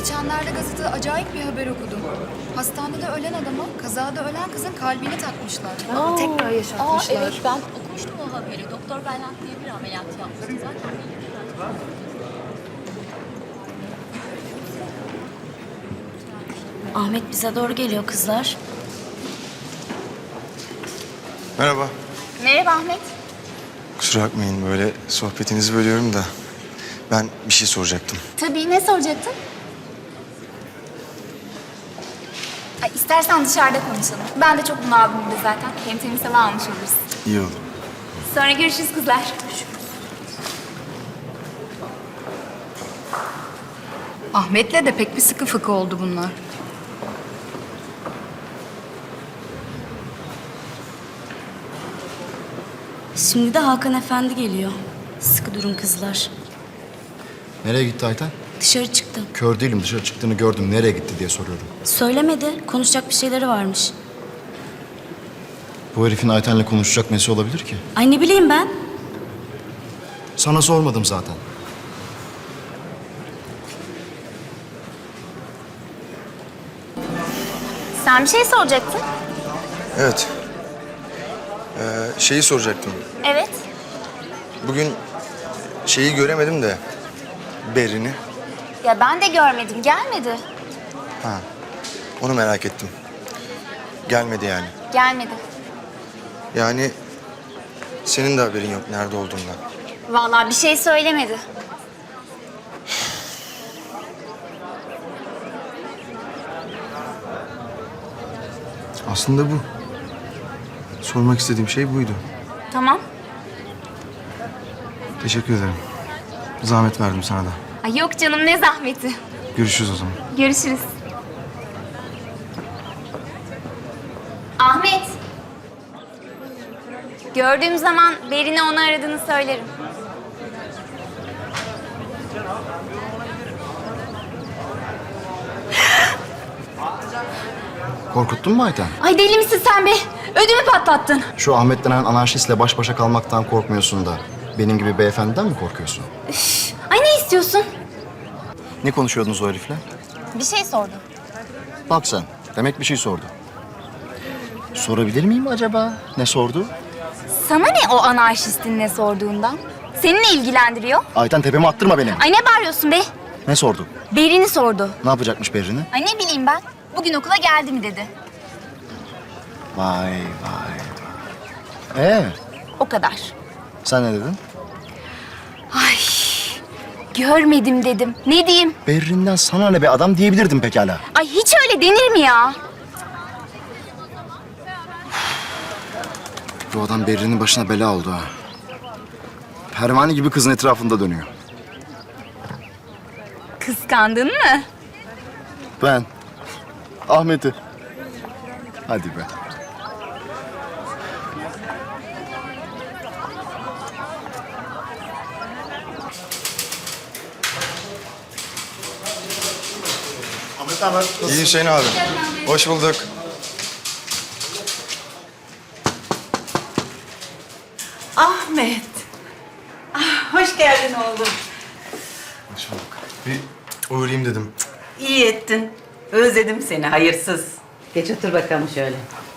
Geçenlerde gazetede acayip bir haber okudum. Hastanede ölen adama kazada ölen kızın kalbini takmışlar. Tekrar yaşatmışlar. Evet, ben okumuştum o haberi. Doktor Berlant diye bir ameliyat yapmıştı zaten. Ahmet bize doğru geliyor kızlar. Merhaba. Merhaba Ahmet. Kusura bakmayın böyle sohbetinizi bölüyorum da ben bir şey soracaktım. Tabii, ne soracaktın? Ay, istersen dışarıda konuşalım. Ben de çok bunaldım burada zaten. Hem temiz hava almış oluruz. İyi oldu. Sonra görüşürüz kızlar. Ahmet'le de pek bir sıkı fıkı oldu bunlar. Şimdi de Hakan Efendi geliyor. Sıkı durun kızlar. Nereye gitti Ayten? Dışarı çıktı. Kör değilim, dışarı çıktığını gördüm. Nereye gitti diye soruyorum. Söylemedi. Konuşacak bir şeyleri varmış. Bu herifin Ayten'le konuşacak nesi olabilir ki? Ay ne bileyim ben. Sana sormadım zaten. Sen bir şey soracaktın. Evet. Şeyi soracaktım. Evet. Bugün şeyi göremedim de Berin'i. Ya ben de görmedim, gelmedi. Ha. Onu merak ettim. Gelmedi yani. Gelmedi. Yani senin de haberin yok nerede olduğundan. Vallahi bir şey söylemedi. Aslında bu. Sormak istediğim şey buydu. Tamam. Teşekkür ederim. Zahmet verdim sana da. Ay yok canım, ne zahmeti. Görüşürüz o zaman. Görüşürüz. Ahmet. Gördüğüm zaman Berin'e onu aradığını söylerim. Korkuttun mu Ayten? Ay deli misin sen be? Ödümü patlattın. Şu Ahmet denen anarşistle baş başa kalmaktan korkmuyorsun da benim gibi beyefendiden mi korkuyorsun? Ay ne istiyorsun? Ne konuşuyordunuz o herifle? Bir şey sordum. Bak sen, demek bir şey sordu. Sorabilir miyim acaba? Ne sordu? Sana ne o anarşistin ne sorduğundan? Seni ne ilgilendiriyor? Ayten tepeme attırma beni. Ay ne bağırıyorsun be? Ne sordu? Berin'i sordu. Ne yapacakmış Berrin'i? Ay ne bileyim ben. Bugün okula geldi mi dedi. Vay vay. O kadar. Sen ne dedin? Ay görmedim dedim. Ne diyeyim? Berrin'den sana ne be adam diyebilirdim pekala. Ay hiç öyle denir mi ya? Bu adam Berrin'in başına bela oldu ha. Pervane gibi kızın etrafında dönüyor. Kıskandın mı? Ben. Ahmet'i. Hadi be. Ahmet haber. İyi Hüseyin abi. Hoş bulduk. Ahmet. Ah, hoş geldin oğlum. Hoş bulduk. Bir uğrayayım dedim. İyi ettin. Özledim seni hayırsız. Geç otur bakalım şöyle.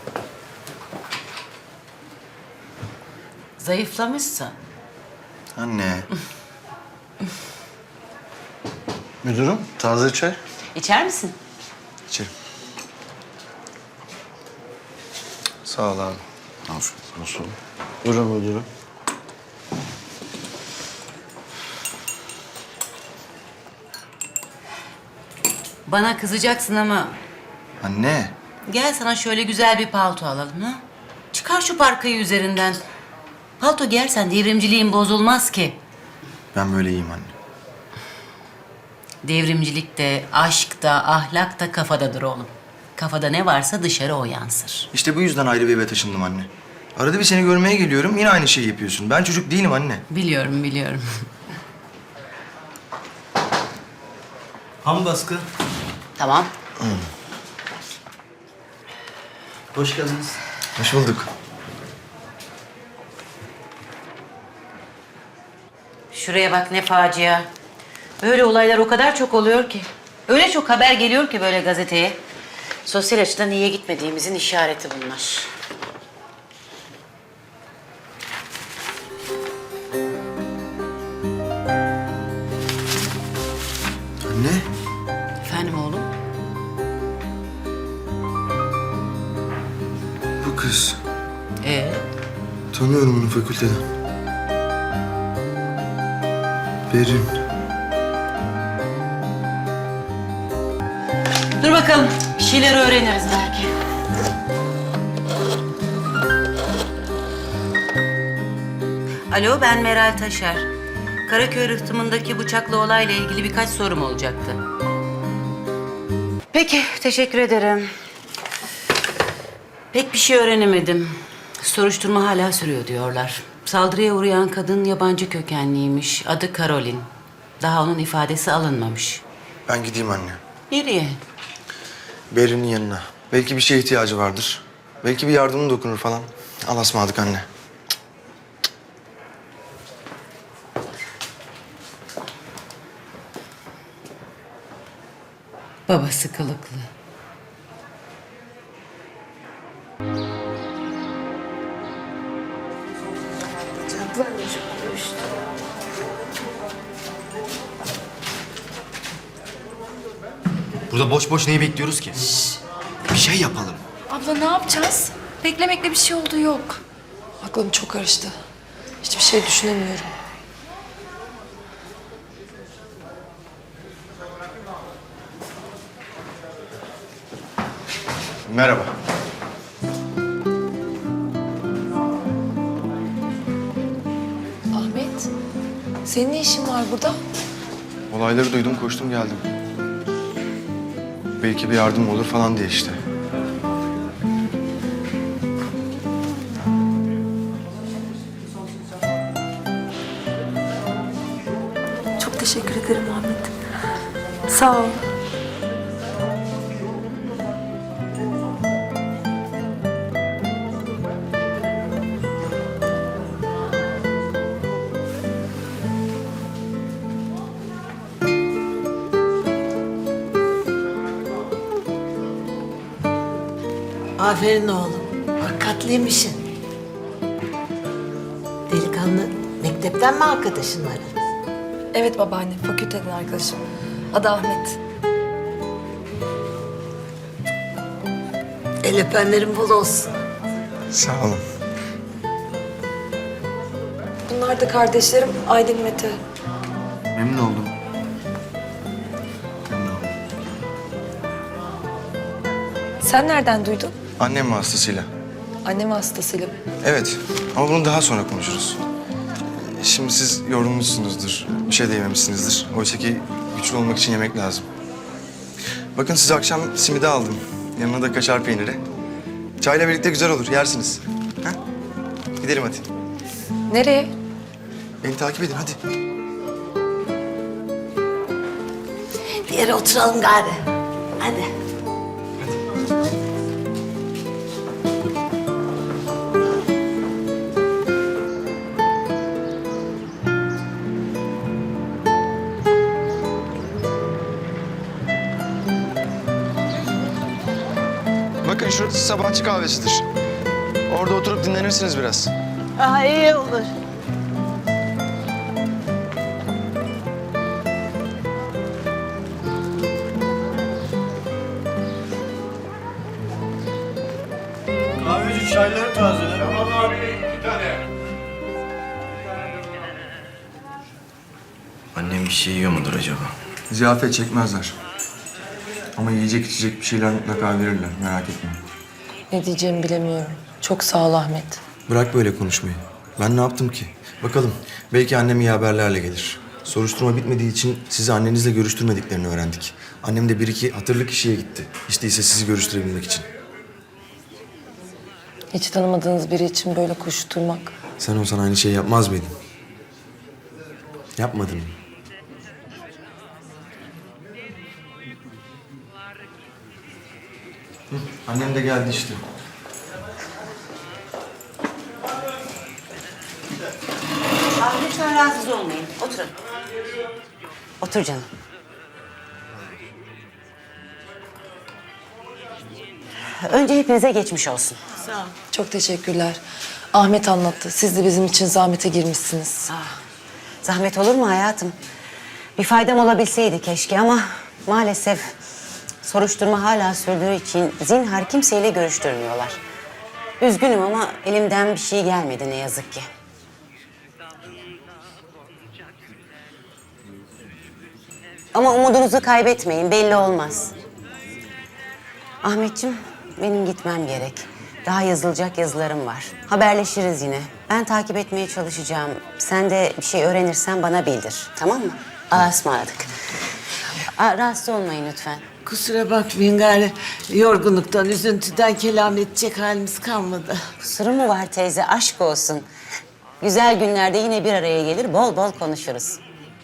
Zayıflamışsın. Anne. Müdürüm, taze çay. İçer misin? İçerim. Sağ ol abi. Afiyet olsun. Buyurun müdürüm. Bana kızacaksın ama Anne. gel sana şöyle güzel bir palto alalım ha. Çıkar şu parkayı üzerinden. Palto giyersen devrimciliğin bozulmaz ki. Ben böyle iyiyim anne. Devrimcilik de, aşk da, ahlak da kafadadır oğlum. Kafada ne varsa dışarı o yansır. İşte bu yüzden ayrı bir eve taşındım anne. Arada bir seni görmeye geliyorum, yine aynı şeyi yapıyorsun. Ben çocuk değilim anne. Biliyorum, biliyorum. Ham baskı. Tamam. Hoş geldiniz. Hoş bulduk. Şuraya bak ne facia. Böyle olaylar o kadar çok oluyor ki. Öyle çok haber geliyor ki böyle gazeteye. Sosyal açıdan iyiye gitmediğimizin işareti bunlar. Anne. Efendim oğlum? Bu kız. Tanıyorum onu fakülteden. Berin. Dur bakalım. Bir şeyler öğreniriz belki. Alo, ben Meral Taşer. Karaköy rıhtımındaki bıçaklı olayla ilgili birkaç sorum olacaktı. Peki, teşekkür ederim. Pek bir şey öğrenemedim. Soruşturma hala sürüyor diyorlar. Saldırıya uğrayan kadın yabancı kökenliymiş. Adı Karolin. Daha onun ifadesi alınmamış. Ben gideyim anne. Nereye? Berin'in yanına. Belki bir şeye ihtiyacı vardır. Belki bir yardımın dokunur falan. Allah'a ısmarladık anne. Babası kılıklı. Burada boş boş neyi bekliyoruz ki? Bir şey yapalım. Abla ne yapacağız? Beklemekle bir şey olduğu yok. Aklım çok karıştı. Hiçbir şey düşünemiyorum. Merhaba. Ahmet, senin ne işin var burada? Olayları duydum, koştum geldim. Belki bir yardım olur falan diye işte. Çok teşekkür ederim Ahmet. Sağ ol. Aferin oğlum. Hakikatliymişsin. Delikanlı mektepten mi arkadaşın var? Evet babaanne, fakülteden arkadaşım. Adı Ahmet. El öpenlerin bol olsun. Sağ olun. Bunlar da kardeşlerim Aydın, Mete. Memnun oldum. Sen nereden duydun? Annem vasıtasıyla. Annem hastasıyla. Evet ama bunu daha sonra konuşuruz. Şimdi siz yorulmuşsunuzdur, bir şey de yememişsinizdir. Oysa ki güçlü olmak için yemek lazım. Bakın size akşam simidi aldım. Yanına da kaşar peyniri. Çayla birlikte güzel olur, yersiniz. Ha? Gidelim hadi. Nereye? Beni takip edin hadi. Bir yere oturalım gari. Hadi. Bakın şurası sabahçı kahvesidir. Orada oturup dinlenirsiniz biraz. Aa, iyi olur. Kahveci çayları tazele. Tamam abi, 2 tane. Annem bir şey yiyor mudur acaba? Ziyafet çekmezler. Ama yiyecek içecek bir şeyler mutlaka verirler, merak etme. Ne diyeceğimi bilemiyorum. Çok sağ ol Ahmet. Bırak böyle konuşmayı. Ben ne yaptım ki? Bakalım, belki annem iyi haberlerle gelir. Soruşturma bitmediği için sizi annenizle görüştürmediklerini öğrendik. Annem de bir iki hatırlı kişiye gitti. Hiç değilse sizi görüştürebilmek için. Hiç tanımadığınız biri için böyle koşturmak. Sen olsan aynı şeyi yapmaz mıydın? Yapmadın mı? Hı, annem de geldi işte. Abi lütfen rahatsız olmayın. Oturun. Otur canım. Önce hepinize geçmiş olsun. Çok teşekkürler. Ahmet anlattı. Siz de bizim için zahmete girmişsiniz. Zahmet olur mu hayatım? Bir faydam olabilseydi keşke ama maalesef soruşturma hala sürdüğü için zinhar kimseyle görüştürmüyorlar. Üzgünüm ama elimden bir şey gelmedi ne yazık ki. Ama umudunuzu kaybetmeyin, belli olmaz. Ahmetciğim, benim gitmem gerek. Daha yazılacak yazılarım var. Haberleşiriz yine. Ben takip etmeye çalışacağım. Sen de bir şey öğrenirsen bana bildir. Tamam mı? Allah'a ısmarladık. Rahatsız olmayın lütfen. Kusura bakmayın gari. Yorgunluktan, üzüntüden kelam edecek halimiz kalmadı. Kusurum mu var teyze? Aşk olsun. Güzel günlerde yine bir araya gelir, bol bol konuşuruz.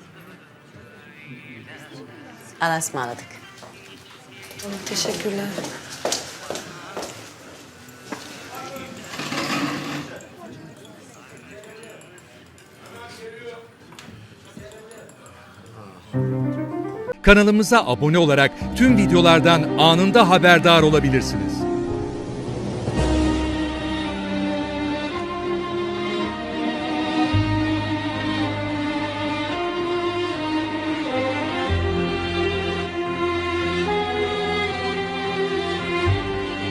Allah'a ısmarladık. Teşekkürler. Kanalımıza abone olarak tüm videolardan anında haberdar olabilirsiniz.